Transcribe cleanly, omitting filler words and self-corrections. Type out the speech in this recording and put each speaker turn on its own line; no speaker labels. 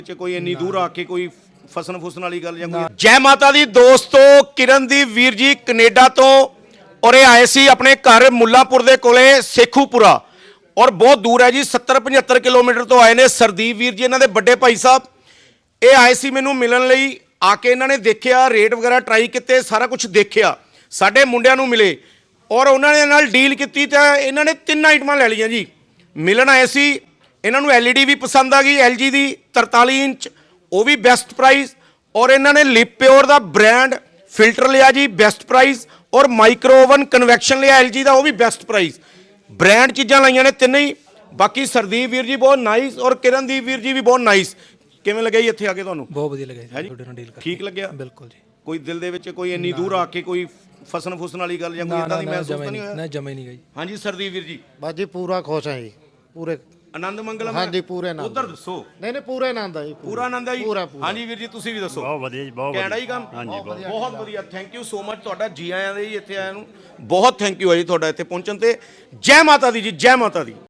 ਕੋਈ ਇੰਨੀ ਦੂਰ ਆ ਕੇ ਕੋਈ ਫਸਣ ਫੁਸਣ ਵਾਲੀ ਗੱਲ ਜਾਂ ਕੋਈ ਜੈ ਮਾਤਾ ਦੀ ਦੋਸਤੋ ਕਿਰਨਦੀਪ ਵੀਰ ਜੀ ਕੈਨੇਡਾ ਤੋਂ ਔਰ ਇਹ ਆਏ ਸੀ ਆਪਣੇ ਘਰ ਮੁੱਲਾਂਪੁਰ ਦੇ ਕੋਲੇ ਸੇਖੂਪੁਰਾ ਔਰ ਬਹੁਤ ਦੂਰ ਹੈ ਜੀ 70-75 ਕਿਲੋਮੀਟਰ ਤੋਂ ਆਏ ਨੇ ਸਰਦੀਪ ਵੀਰ ਜੀ ਇਹਨਾਂ ਦੇ ਵੱਡੇ ਭਾਈ ਸਾਹਿਬ ਇਹ ਆਏ ਸੀ ਮੈਨੂੰ ਮਿਲਣ ਲਈ ਆ ਕੇ ਇਹਨਾਂ ਨੇ ਦੇਖਿਆ ਰੇਟ ਵਗੈਰਾ ਟਰਾਈ ਕੀਤੇ ਸਾਰਾ ਕੁਝ ਦੇਖਿਆ ਸਾਡੇ ਮੁੰਡਿਆਂ ਨੂੰ ਮਿਲੇ ਔਰ ਉਹਨਾਂ ਨੇ ਨਾਲ ਡੀਲ ਕੀਤੀ ਤਾਂ ਇਹਨਾਂ ਨੇ 3 ਆਈਟਮਾਂ ਲੈ ਲਈਆਂ ਜੀ ਮਿਲਣ ਆਏ ਸੀ ਇਹਨਾਂ ਨੂੰ LED ਵੀ ਪਸੰਦ ਆ ਗਈ LG ਦੀ 43 ਇੰਚ ਉਹ ਵੀ ਬੈਸਟ ਪ੍ਰਾਈਸ ਔਰ ਇਹਨਾਂ ਨੇ ਲਿਪ ਪਿਓਰ ਦਾ ਬ੍ਰਾਂਡ ਫਿਲਟਰ ਲਿਆ ਜੀ ਬੈਸਟ ਪ੍ਰਾਈਸ ਔਰ ਮਾਈਕਰੋ ਓਵਨ ਕਨਵੈਕਸ਼ਨ ਲਿਆ LG ਦਾ ਉਹ ਵੀ ਬੈਸਟ ਪ੍ਰਾਈਸ ਬ੍ਰਾਂਡ ਚੀਜ਼ਾਂ ਲਾਈਆਂ ਨੇ ਤਿੰਨੇ ਹੀ ਬਾਕੀ ਸਰਦੀਪ ਵੀਰ ਜੀ ਬਹੁਤ ਨਾਈਸ ਔਰ ਕਿਰਨਦੀਪ ਵੀਰ ਜੀ ਵੀ ਬਹੁਤ ਨਾਈਸ ਕਿਵੇਂ ਲੱਗਿਆ ਜੀ ਇੱਥੇ ਆ ਕੇ ਤੁਹਾਨੂੰ
ਬਹੁਤ ਵਧੀਆ ਲੱਗਿਆ ਜੀ ਤੁਹਾਡੇ ਨਾਲ ਡੀਲ ਕਰਕੇ
ਠੀਕ ਲੱਗਿਆ
ਬਿਲਕੁਲ ਜੀ
ਕੋਈ ਦਿਲ ਦੇ ਵਿੱਚ ਕੋਈ ਇੰਨੀ ਦੂਰ ਆ ਕੇ ਕੋਈ ਫਸਣ ਫੁਸਣ ਵਾਲੀ ਗੱਲ ਜਾਂ ਕੋਈ ਇਦਾਂ ਦੀ ਮਹਿਸੂਸ ਤਾਂ ਨਹੀਂ ਹੋਇਆ
ਨਾ ਜਮੇ ਨਹੀਂ ਗਈ
ਹਾਂਜੀ ਸਰਦੀਪ ਵੀਰ ਜੀ
ਬਸ ਜੀ ਪੂਰਾ ਖੁਸ਼ ਹਾਂ ਜੀ ਪੂਰੇ
ਆਨੰਦ ਮੰਗਲਮ
ਹਾਂਜੀ ਪੂਰੇ ਆਨੰਦ
ਉਧਰ ਦੱਸੋ
ਨਹੀਂ ਨਹੀਂ ਪੂਰੇ ਆਨੰਦ ਆ ਜੀ
ਪੂਰਾ ਆਨੰਦ ਹੈ ਜੀ
ਪੂਰਾ।
ਹਾਂਜੀ ਵੀਰ ਜੀ ਤੁਸੀਂ ਵੀ ਦੱਸੋ
ਬਹੁਤ ਵਧੀਆ ਜੀ ਬਹੁਤ
ਕੈਨੇਡਾ ਹੀ ਕੰਮ
ਹਾਂਜੀ
ਬਹੁਤ ਵਧੀਆ ਥੈਂਕ ਯੂ ਸੋ ਮਚ ਤੁਹਾਡਾ ਜੀ ਆਇਆਂ ਦੇ ਜੀ ਇੱਥੇ ਆਇਆਂ ਨੂੰ ਬਹੁਤ ਥੈਂਕ ਯੂ ਹੈ ਜੀ ਤੁਹਾਡਾ ਇੱਥੇ ਪਹੁੰਚਣ ਤੇ ਜੈ ਮਾਤਾ ਦੀ ਜੀ ਜੈ ਮਾਤਾ ਦੀ